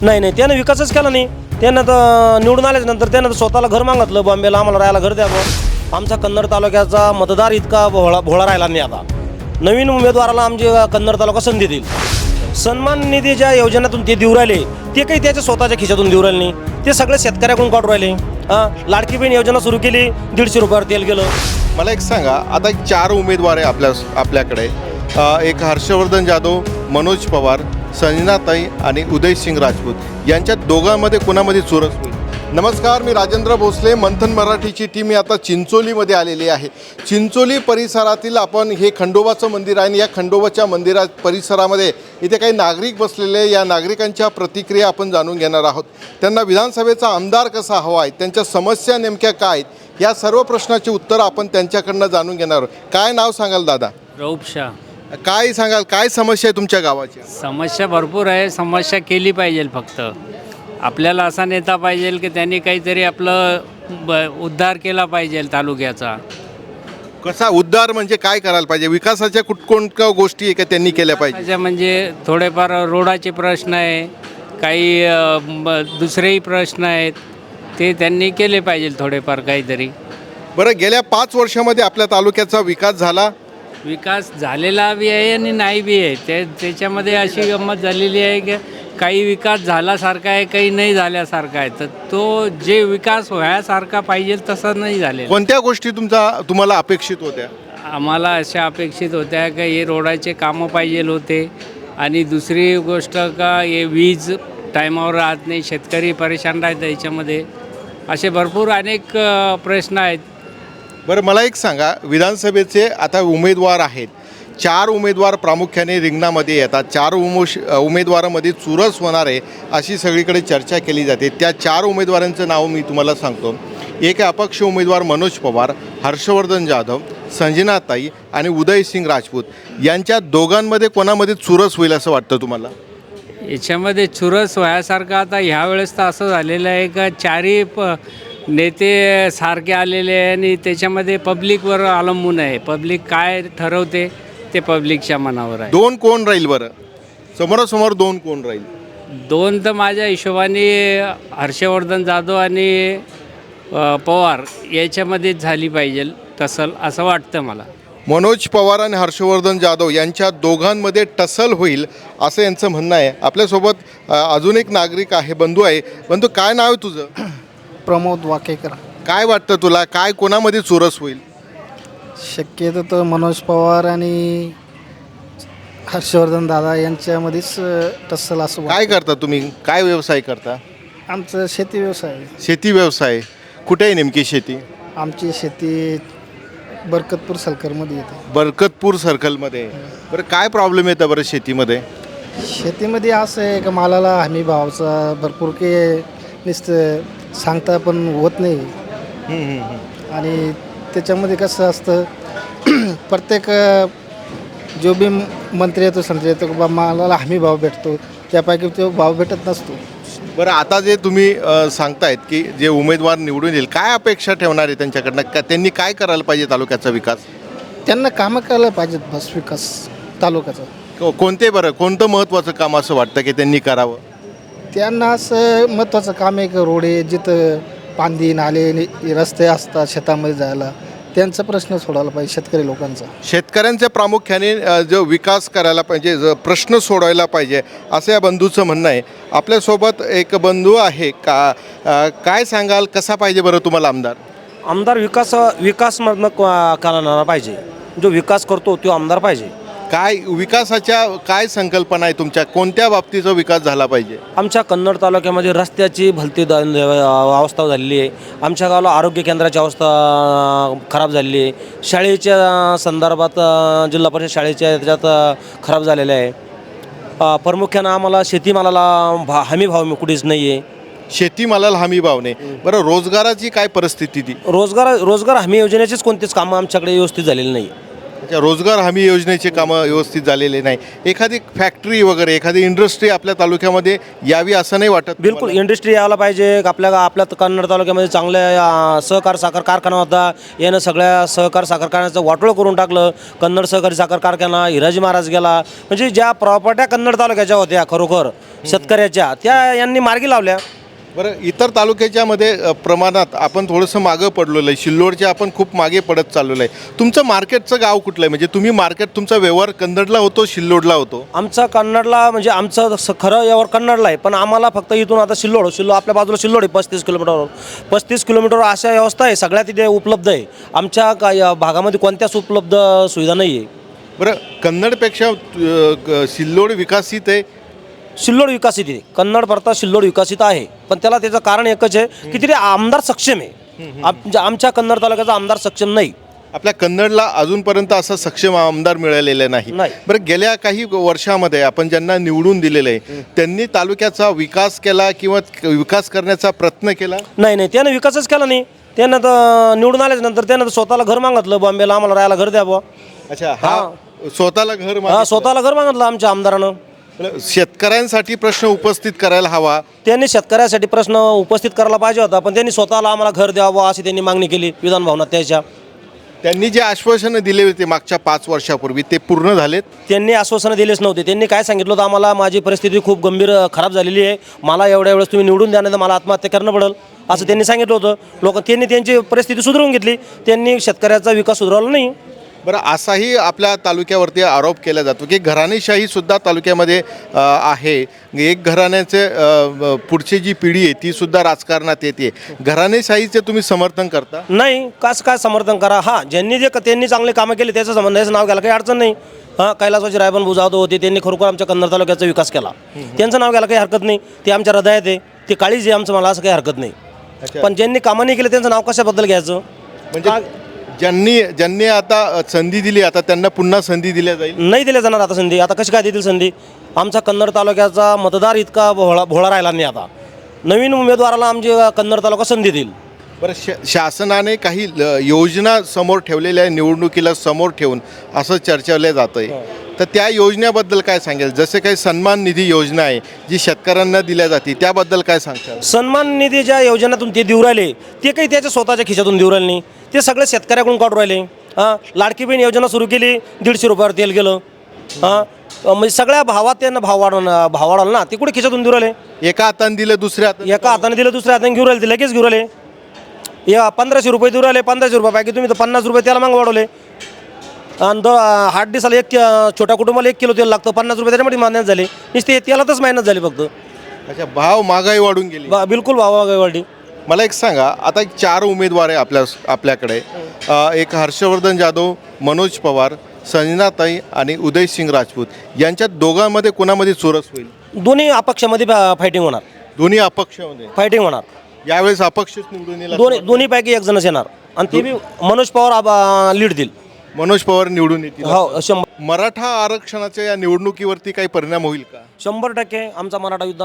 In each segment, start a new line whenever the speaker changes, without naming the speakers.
नाही नाही, त्यानं विकासच केला नाही. त्यानं तर निवडून आल्याच्यानंतर त्यानं तर स्वतःला घर मागितलं, बॉम्बेला आम्हाला राहायला घर द्यावं. आमचा कन्नड तालुक्याचा मतदार इतका भोळा राहिला नाही. आता नवीन उमेदवाराला आमचे कन्नड तालुका संधी देईल. सन्मान निधीच्या योजनेतून ते देऊ राहिले, ते काही त्याच्या स्वतःच्या खिशातून देऊ राहिले नाही, ते सगळे शेतकऱ्याकडून काढून राहिले. लाडकी बहीण योजना सुरू केली, 150 रुपयावर तेल गेलं.
मला एक सांगा, आता 4 उमेदवार आहे आपल्याकडे. एक हर्षवर्धन जाधव, मनोज पवार, संजनाताई आणि उदयसिंग राजपूत यांच्या दोघांमध्ये कोणामध्ये चुरस होईल? नमस्कार, मी राजेंद्र भोसले. मंथन मराठीची टीम ही आता चिंचोलीमध्ये आलेली आहे. चिंचोली परिसरातील आपण हे खंडोबाचं मंदिर आहे आणि या खंडोबाच्या मंदिरा परिसरामध्ये इथे काही नागरिक बसलेले, या नागरिकांच्या प्रतिक्रिया आपण जाणून घेणार आहोत. त्यांना विधानसभेचा आमदार कसा हवा आहे, त्यांच्या समस्या नेमक्या काय आहेत, या सर्व प्रश्नाची उत्तरं आपण त्यांच्याकडनं जाणून घेणार आहोत. काय नाव सांगाल दादा?
रौफ शाह.
काय सांगाल, काय समस्या आहे तुमच्या गावाची?
समस्या भरपूर आहे. समस्या केली पाहिजे. फक्त आपल्याला असा नेता पाहिजे की त्यांनी काहीतरी आपलं उद्धार केला पाहिजे तालुक्याचा.
कसा उद्धार म्हणजे काय करायला पाहिजे? विकासाच्या कोणत्या गोष्टी आहे का त्यांनी केल्या पाहिजे?
म्हणजे थोडेफार रोडाचे प्रश्न आहे, काही दुसरेही प्रश्न आहेत, ते त्यांनी केले पाहिजे थोडेफार काहीतरी.
बरं, गेल्या 5 वर्षामध्ये आपल्या तालुक्याचा विकास झाला?
विकास झालेला बी आहे आणि नाही बी आहे. त्याच्यामध्ये अशी गंमत झालेली आहे की काही विकास झाल्यासारखा आहे, काही नाही झाल्यासारखा आहे. तर तो जे विकास व्हायसारखा पाहिजे तसा नाही झालेला.
कोणत्या गोष्टी तुम्हाला अपेक्षित होत्या?
आम्हाला अशा अपेक्षित होत्या की हे रोडाचे कामं पाहिजे होते आणि दुसरी गोष्ट का हे वीज टायमावर राहत नाही, शेतकरी परेशान राहतात याच्यामध्ये. असे भरपूर अनेक प्रश्न आहेत.
बरं, मला एक सांगा, विधानसभेचे आता उमेदवार आहेत. 4 उमेदवार प्रामुख्याने रिंगणामध्ये येतात. 4 उमेदवारामध्ये चुरस होणार आहे अशी सगळीकडे चर्चा केली जाते. त्या 4 उमेदवारांचं नाव मी तुम्हाला सांगतो. एक अपक्ष उमेदवार मनोज पवार, हर्षवर्धन जाधव, संजनाताई आणि उदयसिंग राजपूत. यांच्या दोघांमध्ये कोणामध्ये चुरस होईल असं वाटतं तुम्हाला?
याच्यामध्ये चुरस व्हायसारखं आता ह्यावेळेस तर असं झालेलं आहे का चारही नेते सारखे आलेले आहे आणि त्याच्यामध्ये पब्लिकवर अवलंबून आहे. पब्लिक काय ठरवते ते पब्लिकच्या मनावर आहे.
2 कोण राहील बरं? समोरासमोर 2 कोण राहील?
2 तर माझ्या हिशोबाने हर्षवर्धन जाधव आणि पवार याच्यामध्येच झाली पाहिजे तसं असं वाटतं मला.
मनोज पवार आणि हर्षवर्धन जाधव यांच्या दोघांमध्ये टसल होईल असं यांचं म्हणणं आहे. आपल्यासोबत अजून एक नागरिक आहे, बंधू आहे. बंधू, काय नाव आहे तुझं?
प्रमोद वाकेकर.
काय वाटतं तुला, काय कोणामध्ये चुरस होईल?
शक्यतो तर मनोज पवार आणि हर्षवर्धन दादा यांच्यामध्येच टस्सल असं
काय करता तुम्ही? काय व्यवसाय करता?
आमचं शेती व्यवसाय आहे.
शेती व्यवसाय. कुठे आहे नेमकी शेती?
आमची शेती बरकतपूर सलकरमध्ये येते.
बरकतपूर सर्कलमध्ये. बरं, काय प्रॉब्लेम येतं बरं शेतीमध्ये?
शेतीमध्ये असं आहे का मालाला हमी भावाचा भरपूर काही नुसतं सांगता पण होत नाही. आणि त्याच्यामध्ये कसं असतं प्रत्येक जो बी मंत्री येतो संत्री येतो बा मालाला हमी भाव भेटतो, त्यापैकी तो भाव भेटत नसतो.
बरं, आता जे तुम्ही सांगतायत की जे उमेदवार निवडून येईल, काय अपेक्षा ठेवणार आहे त्यांच्याकडनं? त्यांनी काय करायला पाहिजे तालुक्याचा विकास?
त्यांना कामं करायला पाहिजेत बस विकास तालुक्याचा.
कोणते बरं, कोणतं महत्त्वाचं काम असं वाटतं की त्यांनी करावं?
त्यांना असं महत्त्वाचं काम आहे की रोडे जिथं पांदी नाले रस्ते असतात शेतामध्ये जायला, त्यांचा प्रश्न सोडवला पाहिजे शेतकरी लोकांचा.
शेतकऱ्यांच्या प्रामुख्याने जो विकास करायला पाहिजे, जो प्रश्न सोडवायला पाहिजे असं या बंधूचं म्हणणं आहे. आपल्यासोबत एक बंधू आहे का, काय सांगाल, कसा पाहिजे बरं तुम्हाला आमदार?
आमदार विकासमधनं करणारा पाहिजे. जो विकास करतो तो आमदार पाहिजे.
काय विकासाच्या काय संकल्पना आहे तुमच्या? कोणत्या बाबतीचा विकास झाला पाहिजे?
आमच्या कन्नड तालुक्यामध्ये रस्त्याची भलती अवस्था झालेली आहे. आमच्या गावाला आरोग्य केंद्राची अवस्था खराब झालेली आहे. शाळेच्या संदर्भात जिल्हा परिषद शाळेच्या याच्यात खराब झालेल्या आहे. प्रामुख्यानं आम्हाला शेतीमालाला हमी भाव कुठेच नाही आहे.
शेतीमालाला हमी भाव नाही. बरं, रोजगाराची काय परिस्थिती ती?
रोजगार हमी योजनेचीच कोणतीच कामं आमच्याकडे व्यवस्थित झालेली नाही.
अच्छा, रोजगार हमी योजनेचे कामं व्यवस्थित झालेले नाही. एखादी फॅक्टरी वगैरे एखादी इंडस्ट्री आपल्या तालुक्यामध्ये यावी असं नाही वाटत
बिलकुल इंडस्ट्री यायला पाहिजे. आपल्या कन्नड तालुक्यामध्ये चांगल्या सहकार साखर कारखाना होता, यानं सगळ्या सहकार साखर कारखान्याचं वाटोळं करून टाकलं. कन्नड सहकारी साखर कारखाना हिराजी महाराज गेला, म्हणजे ज्या प्रॉपर्ट्या कन्नड तालुक्याच्या होत्या खरोखर शेतकऱ्याच्या, त्या यांनी मार्गी लावल्या.
बरं, इतर तालुक्याच्यामध्ये प्रमाणात आपण थोडंसं मागं पडलेलं आहे. सिल्लोडच्या आपण खूप मागे पडत चाललेलं आहे. तुमचं मार्केटचं गाव कुठलं आहे? म्हणजे तुम्ही मार्केट तुमचा व्यवहार कन्नडला होतो सिल्लोडला होतो?
आमचा कन्नडला म्हणजे आमचं खरं यावर कन्नडला आहे, पण आम्हाला फक्त इथून आता सिल्लोड आपल्या बाजूला सिल्लोड आहे 35 किलोमीटरवर. 35 किलोमीटरवर अशा व्यवस्था आहे सगळ्या तिथे उपलब्ध आहे. आमच्या या भागामध्ये कोणत्याच उपलब्ध सुविधा नाही आहे.
बरं, कन्नडपेक्षा सिल्लोड विकसित आहे.
सिल्लोड विकसित आहे, कन्नड परता सिल्लोड विकसित आहे, पण त्याचं कारण एकच आहे की तिथे आमदार सक्षम आहे. आमच्या कन्नड तालुक्याचा आमदार सक्षम नाही.
आपल्या कन्नडला अजूनपर्यंत असा सक्षम आमदार मिळालेला नाही. बरं, गेल्या काही वर्षामध्ये आपण ज्यांना निवडून दिलेलं आहे त्यांनी तालुक्याचा विकास केला किंवा विकास करण्याचा प्रयत्न केला?
नाही, त्यानं विकासच केला नाही. त्यानं तर निवडून आल्याच्यानंतर त्यानं तर स्वतःला घर मागितलं, बॉम्बेला आम्हाला राहायला घर द्या बुवा.
अच्छा, हा स्वतःला घर
स्वतःला घर मागितलं आमच्या आमदारानं.
शेतकऱ्यांसाठी प्रश्न उपस्थित करायला हवा.
त्यांनी शेतकऱ्यासाठी प्रश्न उपस्थित करायला पाहिजे होता, पण त्यांनी स्वतःला आम्हाला घर द्यावं अशी त्यांनी मागणी केली विधान भवनात.
त्यांनी जे आश्वासनं दिले होते मागच्या 5 वर्षापूर्वी ते पूर्ण झालेत?
त्यांनी आश्वासनं दिलेच नव्हते. त्यांनी काय सांगितलं होतं, आम्हाला माझी परिस्थिती खूप गंभीर खराब झालेली आहे, मला एवढ्या वेळेस तुम्ही निवडून द्या नाही तर मला आत्महत्या करणं पडेल असं त्यांनी सांगितलं होतं. त्यांनी त्यांची परिस्थिती सुधारून घेतली, त्यांनी शेतकऱ्याचा विकास सुधारला नाही.
बरं, असाही आपल्या तालुक्यावरती आरोप केला जातो की घराणेशाहीसुद्धा तालुक्यामध्ये आहे. एक घराण्याचे पुढची जी पिढी आहे ती सुद्धा राजकारणात येते. घराणेशाहीचे तुम्ही समर्थन करता?
नाही, कसं काय समर्थन करा. हां, त्यांनी चांगले कामं केले त्याचं संबंधाचं नाव घ्यायला काही अडचण नाही. हां, कैलासवासी रायबन बुजावतो होते, त्यांनी खरोखर आमच्या कन्नड तालुक्याचा विकास केला, त्यांचं नाव घ्यायला काही हरकत नाही. ते आमच्या हृदयात आहे, ते काळीज आहे आमचं, मला असं काही हरकत नाही. पण ज्यांनी कामं नाही केले त्यांचं नाव कशाबद्दल घ्यायचं?
म्हणजे ज्यांनी आता संधी दिली आता त्यांना पुन्हा संधी दिल्या जाईल?
नाही दिल्या जाणार आता संधी. आता कशी काय देतील संधी? आमचा कन्नड तालुक्याचा मतदार इतका भोळा राहिला नाही. आता नवीन उमेदवाराला आमची कन्नड तालुका संधी देईल.
बरं, शासनाने काही योजना समोर ठेवलेल्या आहे निवडणुकीला समोर ठेवून असं चर्चवलं जातं आहे. तर त्या योजनेबद्दल काय सांगेल? जसे काही सन्मान निधी योजना आहे जी शेतकऱ्यांना दिल्या जाते त्याबद्दल काय सांगताल?
सन्मान निधी ज्या योजनेतून ते देऊ राहिले ते काही त्याच्या स्वतःच्या खिशातून देऊ राहिले नाही, ते सगळे शेतकऱ्याकडून काढून राहिले. हां, लाडकी बहीण योजना सुरू केली, 150 रुपयावर तेल गेलं. हां, म्हणजे सगळ्या भावात त्यांना भाव वाढवला ना, ते कुठे खिशातून देऊ राहिले?
एका हाताने दिलं दुसऱ्या हाताने,
एका हाताने दिलं दुसऱ्या हाताने घेऊन राहिले, ते लगेच घेऊन राहिले. 1500 रुपये देऊ राहिले, 1500 रुपयापैकी तुम्ही तर 50 रुपये त्याला मागं वाढवले. आणि 8 दिवसाला छोट्या कुटुंबाला 1 किलो तेल लागतं, 50 रुपये त्याच्यामध्ये मेहनत झाली. नुसते तेलातच मेहनत झाली फक्त.
अच्छा, भाव महागाई वाढून गेली.
बिलकुल भाव वाढली.
मला एक सांगा, आता 4 उमेदवार आहे आपल्याकडे. एक हर्षवर्धन जाधव, मनोज पवार, संजनाताई आणि उदयसिंग राजपूत. यांच्यात दोघांमध्ये कोणामध्ये चोरस होईल?
दोन्ही अपक्षामध्ये फायटिंग होणार.
दोन्ही अपक्षामध्ये
फायटिंग होणार.
यावेळेस अपक्षच निवडून येईल?
दोन्हीपैकी एक जणच येणार आणि ते बी मनोज पवार लीड देईल.
मनोज पवार निवडून येतील?
हो, 100.
मराठा आरक्षणाच्या या निवडणुकीवरती काही परिणाम होईल का?
100% आमचा मराठा युद्ध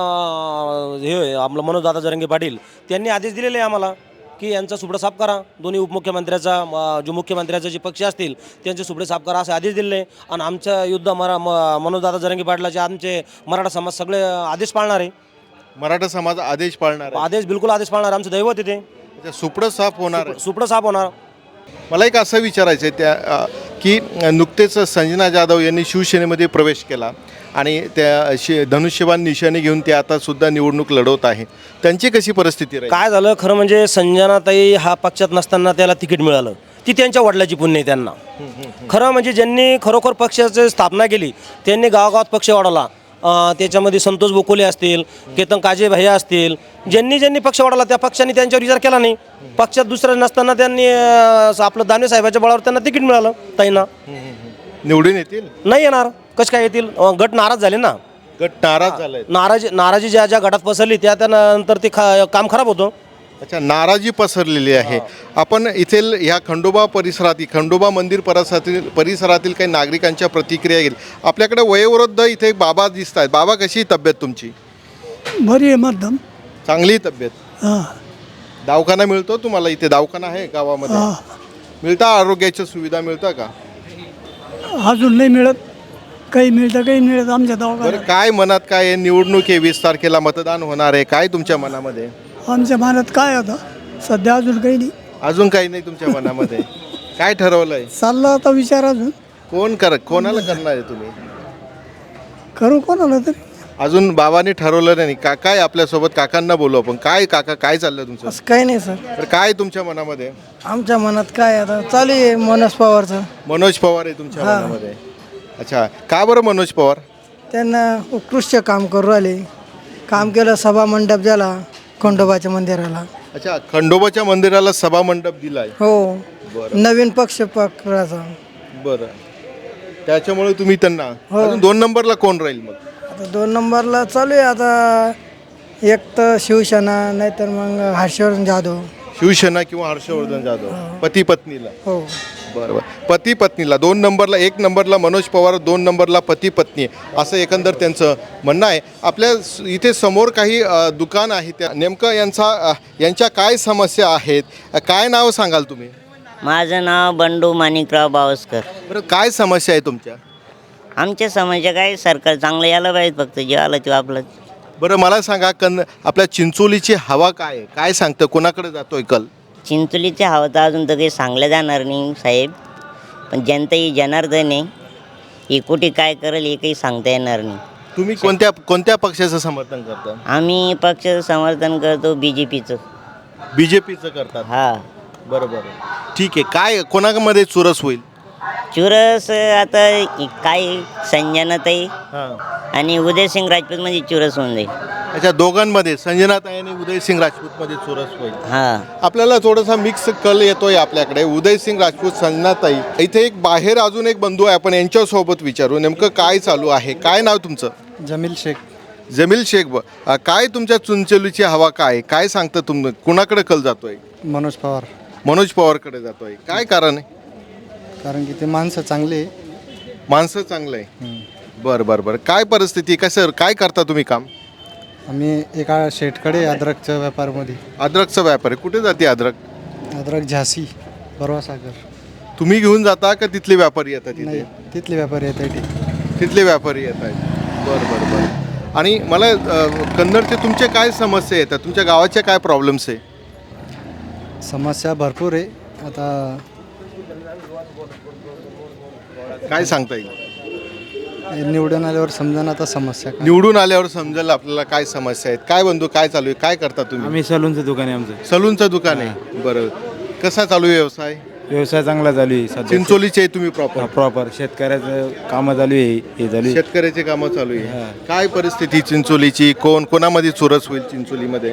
हे आपलं मनोजदादा जरांगे पाटील त्यांनी आदेश दिलेले आहे आम्हाला की यांचा सुपडा साफ करा. दोन्ही उपमुख्यमंत्र्याचा जो मुख्यमंत्र्याचे जे पक्ष असतील त्यांचे सुपडे साफ करा असे आदेश दिले. आणि आमच्या युद्ध मनोजदादा जरांगे पाटलाचे आमचे मराठा समाज सगळे आदेश पाळणार आहे.
मराठा समाज आदेश पाळणार आहे?
आदेश बिलकुल आदेश पाळणार. आमचं दैवत येते.
सुपडं साफ होणार आहे?
सुपडं साफ होणार.
मला एक असं विचारायचं आहे की नुकतेच संजना जाधव यांनी शिवसेनेमध्ये प्रवेश केला आणि त्या धनुष्यबाण निशाणे घेऊन ते आता सुद्धा निवडणूक लढवत आहे. त्यांची कशी परिस्थिती राहील?
काय झालं खरं म्हणजे संजनाताई हा पक्षात नसताना त्याला तिकीट मिळालं, ती त्यांच्या वडिलाची पुण्य आहे त्यांना. खरं म्हणजे ज्यांनी खरोखर पक्षाची स्थापना केली त्यांनी गावागावात पक्ष वाढवला. त्याच्यामध्ये संतोष बोकोले असतील, केतन काजे भैया असतील, ज्यांनी पक्ष वाढवला त्या पक्षाने त्यांच्यावर विचार केला नाही. पक्षात दुसरं नसताना त्यांनी आपलं दानवे साहेबाच्या बळावर त्यांना तिकीट मिळालं. ताईंना
निवडून येतील?
नाही येणार. कसं काय येतील? गट नाराज झाले ना.
गट नाराज झालाय?
नाराजी ज्या गटात पसरली त्यानंतर ते काम खराब होतं.
अच्छा, नाराजी पसरलेली आहे. आपण इथे ह्या खंडोबा परिसरातील खंडोबा मंदिर परिसरातील काही नागरिकांच्या प्रतिक्रिया घेईल. आपल्याकडे वयोवृद्ध इथे बाबा दिसत आहेत. बाबा, कशी तब्येत तुमची?
बरी आहे मध्यम.
चांगली तब्येत.
हां,
दवाखाना मिळतो तुम्हाला? इथे दवाखाना आहे गावामध्ये? मिळता? आरोग्याच्या सुविधा मिळता का?
अजून नाही मिळत, काही मिळतं काही मिळत आमच्या
बरं,
दवाखान्यात.
काय मनात काय आहे? निवडणूक आहे, 20 तारखेला मतदान होणार आहे, काय तुमच्या मनामध्ये?
आमच्या मनात काय आता सध्या अजून काही नाही.
अजून काही नाही तुमच्या मनामध्ये? काय ठरवलंय?
चालला आता विचार अजून
कोणाला करणार आहे तुम्ही?
करू कोणाला तरी.
अजून बाबांनी ठरवलं नाही. काय आपल्यासोबत काकांना बोलू आपण. काय काका, काय चाललं तुमचं?
असं काही नाही सर.
तर काय तुमच्या मनामध्ये?
आमच्या मनात काय आता चालू आहे मनोज पवारचं.
मनोज पवार आहे तुमच्या मनामध्ये? अच्छा, का बरं मनोज पवार?
त्यांना उत्कृष्ट काम करू राहिले. काम केलं, सभा मंडप झाला खंडोबाच्या मंदिराला.
अच्छा, खंडोबाच्या मंदिराला सभा मंडप दिलाय.
हो,
बरं
नवीन पक्ष पकडायचा.
बरं, त्याच्यामुळे तुम्ही त्यांना.
हो.
अजून 2 नंबरला कोण राहील मग?
आता 2 नंबरला चालू आहे आता एक तर शिवसेना, नाहीतर मग हर्षवर्धन जाधव.
शिवसेना किंवा हर्षवर्धन जाधव, पती पत्नीला.
हो,
बरोबर, पती पत्नीला. 2 नंबरला, 1 नंबरला मनोज पवार, 2 नंबरला पती पत्नी, असं एकंदर त्यांचं म्हणणं आहे. आपल्या इथे समोर काही दुकान आहे, त्या नेमकं यांच्या काय समस्या आहेत? काय नाव सांगाल तुम्ही?
माझं नाव बंडू माणिकराव बावस्कर.
बरं, काय समस्या आहे तुमच्या?
आमच्या समाजाच्या काय सरकार चांगलं यायला पाहिजे, फक्त जे आलं ते आपलं.
बरं, मला सांगा, आपल्या चिंचोलीची हवा काय आहे? काय सांगतं, कोणाकडे जातोय कल?
चिंचोलीच्या हवं तर अजून तर काही सांगलं जाणार नाही साहेब, पण जनता ही जनार्दन आहे, ही कुठे काय करेल हे काही सांगता येणार नाही.
तुम्ही कोणत्या पक्षाचं समर्थन करता?
आम्ही पक्षाचं समर्थन करतो BJPचं.
BJPचं करतात?
हा.
बरोबर, ठीक आहे. काय कोणामध्ये चुरस होईल?
चुरस आता काय संजनाताई
हां,
आणि उदयसिंग राजपूतमध्ये चुरस होऊन जाईल.
अच्छा, दोघांमध्ये संजनाताई आणि उदयसिंग राजपूतमध्ये चुरस होईल.
हां.
आपल्याला थोडासा मिक्स कल येतोय आपल्याकडे. उदयसिंग राजपूत, संजनाताई. इथे एक बाहेर अजून एक बंधू आहे, आपण यांच्यासोबत विचारू नेमकं काय चालू आहे. काय नाव तुमचं?
जमील शेख.
जमील शेख. काय तुमच्या चिंचोलीची हवा काय सांगतं कुणाकडे कल जातोय?
मनोज पवार.
मनोज पवारकडे जातोय. काय कारण आहे?
कारण की ते माणसं चांगले.
माणसं चांगलं आहे. बरं, काय परिस्थिती, कसं काय करता तुम्ही काम?
आम्ही एका शेठकडे अद्रकच्या व्यापारमध्ये.
अद्रकचा व्यापार आहे. कुठे जाते अद्रक?
अद्रक झाशी, परवा सागर.
तुम्ही घेऊन जाता का तिथले व्यापारी येतात तिथे?
तिथले व्यापारी येतात.
तिथले व्यापारी येत आहेत. बरं. आणि मला कन्नडचे तुमचे काय समस्या येतात? तुमच्या गावाच्या काय प्रॉब्लेम्स आहे?
समस्या भरपूर आहे. आता
काय सांगता येईल?
निवडून आल्यावर समजा आता समस्या काय.
निवडून आल्यावर समजेल आपल्याला काय समस्या आहेत. काय बंधू, काय चालू आहे, काय करता तुम्ही?
आम्ही सलूनचं दुकान आहे आमचं.
सलूनचं दुकान आहे. बरं, कसा चालू आहे व्यवसाय?
व्यवसाय चांगला चालू आहे सध्या.
चिंचोलीचे आहे तुम्ही प्रॉपर?
प्रॉपर शेतकऱ्याचं कामं चालू आहे, हे चालू आहे.
शेतकऱ्याचे कामं चालू आहे. काय परिस्थिती चिंचोलीची? कोणामध्ये चुरस होईल चिंचोलीमध्ये?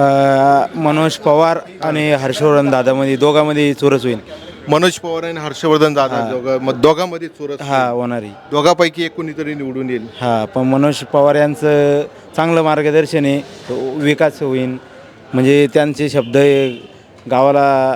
मनोज पवार आणि हर्षवर्धन दादामध्ये दोघांमध्ये चोरस होईल.
मनोज पवार आणि हर्षवर्धन दादा दोघांमध्ये चुरस
हा होणार आहे.
दोघांपैकी एक कोणीतरी निवडून येईल.
हा, पण मनोज पवार यांचं चांगलं मार्गदर्शन आहे, विकास होईल. म्हणजे त्यांचे शब्द गावाला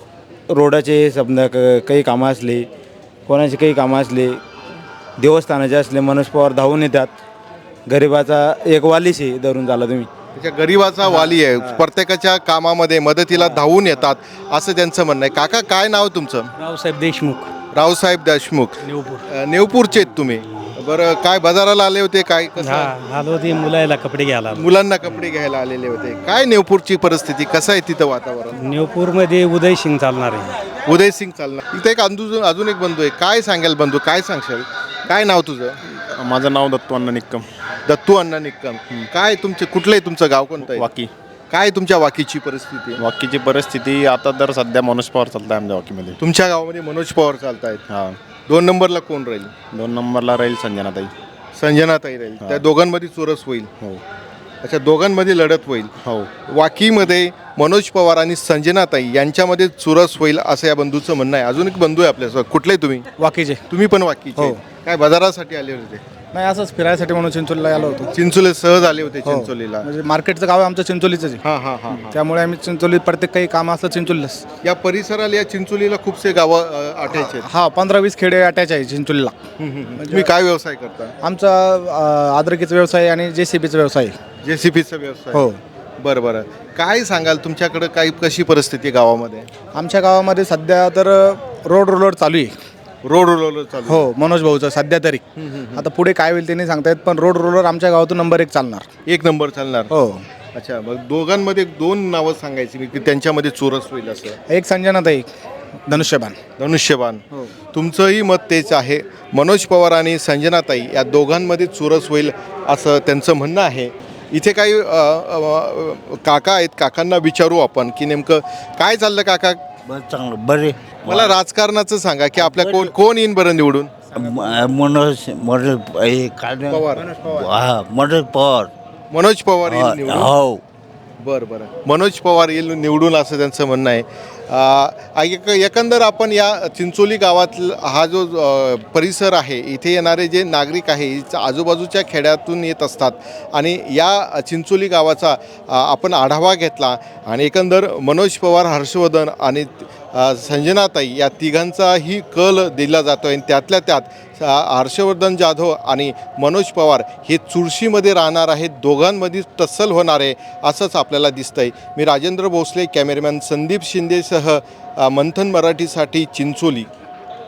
रोडाचे समजा काही कामं असले, कोणाचे काही कामं असले, देवस्थानाचे असले, मनोज पवार धावून येतात. गरिबाचा एक वालीशी धरून झाला तुम्ही.
त्याच्या गरीबाचा वाली आहे, प्रत्येकाच्या कामामध्ये मदतीला धावून येतात, असं त्यांचं म्हणणं आहे. काका, काय नाव तुमचं?
रावसाहेब देशमुख.
रावसाहेब देशमुख.
नेवपूर.
नेवपूरचे आहेत तुम्ही? बरं, काय बाजाराला आले होते? काय कसं?
आलो ते मुलाला कपडे घ्यायला.
मुलांना कपडे घ्यायला आलेले होते. काय नेवपूरची परिस्थिती, कसं आहे तिथं वातावरण?
नेवपूरमध्ये उदयसिंग चालणार आहे.
उदयसिंग चालणार. इथे एक अजून एक बंधू आहे. काय सांगाल बंधू, काय सांगशाल? काय नाव तुझं?
माझं नाव दत्तू अण्णा निक्कम.
दत्तू अण्णा निक्कम. काय तुमचे, कुठलं आहे तुमचं गाव, कोणतं आहे?
वाकी.
काय तुमच्या वाकीची परिस्थिती?
वाकीची परिस्थिती आता तर सध्या मनोज पवार चालत आहे आमच्या वाकीमध्ये.
तुमच्या गावामध्ये मनोज पवार चालत आहेत.
हां.
2 नंबरला कोण राहील?
2 नंबरला राहील संजनाताई.
संजनाताई राहील. त्या दोघांमध्ये चुरस होईल.
हो
अच्छा, दोघांमध्ये लढत होईल.
हो.
वाकीमध्ये मनोज पवार आणि संजनाताई यांच्यामध्ये चुरस होईल असं या बंधूचं म्हणणं आहे. अजून एक बंधू आहे आपल्यासोबत. कुठले तुम्ही?
वाकीचे.
तुम्ही पण वाकीचे?
हो.
काय बाजारासाठी आले होते?
नाही, असंच फिरायसाठी म्हणून चिंचोलीला आलो होतो.
चिंचोली सहज आले होते चिंचोलीला?
म्हणजे मार्केटचं गाव आहे आमचं चिंचोलीचं आहे.
हां.
त्यामुळे आम्ही चिंचोलीत प्रत्येक काही काम असलं चिंचोलीलाच.
या परिसराला, या चिंचोलीला खूपसे गावं आठायचे आहेत.
हा, 15-20 खेडे अटॅच आहे चिंचोलीला.
तुम्ही काय व्यवसाय करता?
आमचा अद्रकीचा व्यवसाय आणि JCBचा व्यवसाय आहे.
JCBचा व्यवसाय?
हो.
बरं. काय सांगाल, तुमच्याकडे काही कशी परिस्थिती आहे गावामध्ये?
आमच्या गावामध्ये सध्या तर रोड चालू आहे.
रोड रोलर चालू आहे.
हो मनोज भाऊचं सध्या तरी. आता पुढे काय होईल ते नाही सांगता येत, पण रोड रोलर आमच्या गावातून नंबर 1 चालणार.
1 नंबर चालणार.
हो.
अच्छा, मग दोघांमध्ये 2 नावं सांगायची मी की त्यांच्यामध्ये चुरस होईल असं.
एक संजनाताई धनुष्यबाण.
धनुष्यबाण. तुमचंही मत तेच आहे. मनोज पवार आणि संजनाताई या दोघांमध्ये चुरस होईल असं त्यांचं म्हणणं आहे. इथे काही काका आहेत, काकांना विचारू आपण की नेमकं काय चाललं. काका,
चांगलं बरे.
मला राजकारणाचं सांगा की आपल्या कोण येईन बरं निवडून.
मनोज मनोज
पवार.
मनोज पवार.
मनोज पवार येईल निवडून.
हो.
बरं. मनोज पवार येईल निवडून असं त्यांचं म्हणणं आहे. एकंदर आपण या चिंचोली गावात हा जो परिसर आहे, इथे येणारे जे नागरिक आहे आजूबाजूच्या खेड्यातून येत असतात आणि या चिंचोली गावाचा आपण आढावा घेतला आणि एकंदर मनोज पवार, हर्षवर्धन आणि संजनाताई या तिघांचाही कल दिला जातो आहे. त्यातल्या त्यात हर्षवर्धन जाधव आणि मनोज पवार हे चुरशीमध्ये राहणार आहेत. दोघांमध्ये टस्सल होणार आहे असंच आपल्याला दिसतंय. मी राजेंद्र भोसले, कॅमेरामॅन संदीप शिंदेसह मंथन मराठीसाठी चिंचोली.